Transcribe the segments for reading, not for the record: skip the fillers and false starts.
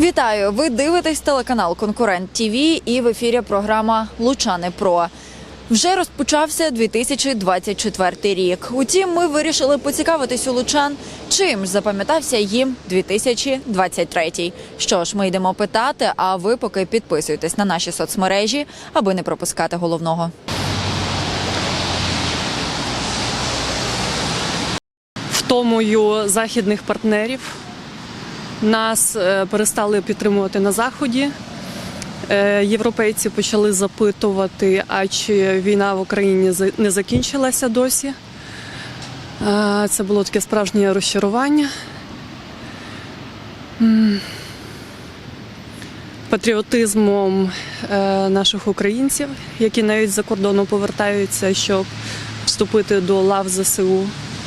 Вітаю! Ви дивитесь телеканал «Конкурент ТВ» і в ефірі програма «Лучани Про». Вже розпочався 2024 рік. Утім, ми вирішили поцікавитись у лучан, чим ж запам'ятався їм 2023. Що ж, ми йдемо питати, а ви поки підписуйтесь на наші соцмережі, аби не пропускати головного. Втомою західних партнерів. Нас перестали підтримувати на Заході. Європейці почали запитувати, а чи війна в Україні не закінчилася досі. Це було таке справжнє розчарування. Патріотизмом наших українців, які навіть з-за кордону повертаються, щоб вступити до лав ЗСУ.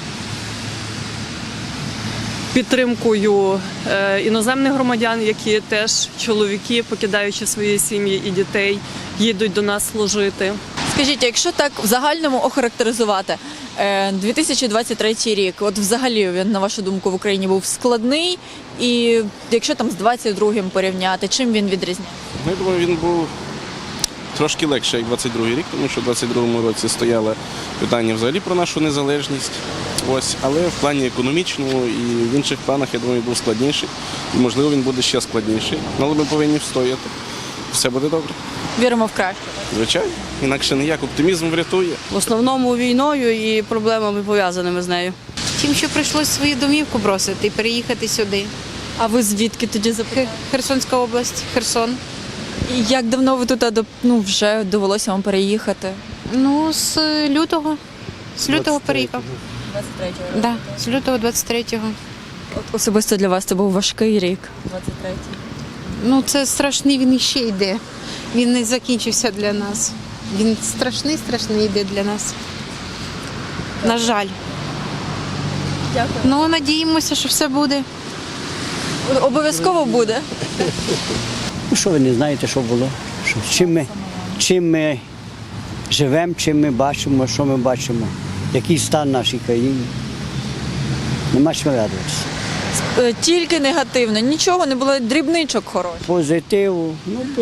Підтримкою іноземних громадян, які теж чоловіки, покидаючи свої сім'ї і дітей, їдуть до нас служити. Скажіть, якщо так в загальному охарактеризувати 2023 рік, от взагалі він, на вашу думку, в Україні був складний, і якщо там з 22-м порівняти, чим він відрізняється? Я думаю, він був трошки легше, як 22-й рік, тому що в 22-му році стояло питання взагалі про нашу незалежність. Ось, але в плані економічному і в інших планах, я думаю, був складніший. І, можливо, він буде ще складніший. Але ми повинні встояти. Все буде добре. Віримо в краще. Звичайно. Інакше ніяк. Оптимізм врятує. В основному війною і проблемами, пов'язаними з нею. Тим, що прийшлося свою домівку бросити і переїхати сюди. А ви звідки тоді запитали? Херсонська область, Херсон. І як давно ви тут вже довелося вам переїхати? Ну, з лютого. З лютого переїхав. 23-го. Да, з лютого 23-го. От особисто для вас це був важкий рік, 23-й. Ну, це страшний, він іще йде. Він не закінчився для нас. Він страшний йде для нас. На жаль. Дякую. Ну, надіємося, що все буде. Обов'язково буде. Ну, що ви не знаєте, що було? Чим ми живемо, чим ми бачимо, що ми бачимо, який стан нашій країні. Нема чого радуватися. Тільки негативно, нічого не було, дрібничок хороших. Позитиву.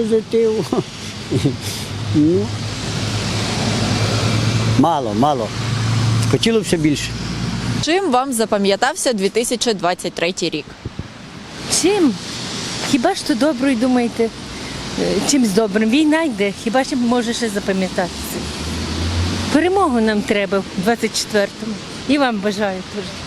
Ну, мало. Хотілося б більше. Чим вам запам'ятався 2023 рік? Чим? Хіба ж то доброю думаєте? Чимсь добрим? Війна йде, хіба ж може ще запам'ятатися? Перемогу нам треба в 24-му. І вам бажаю теж.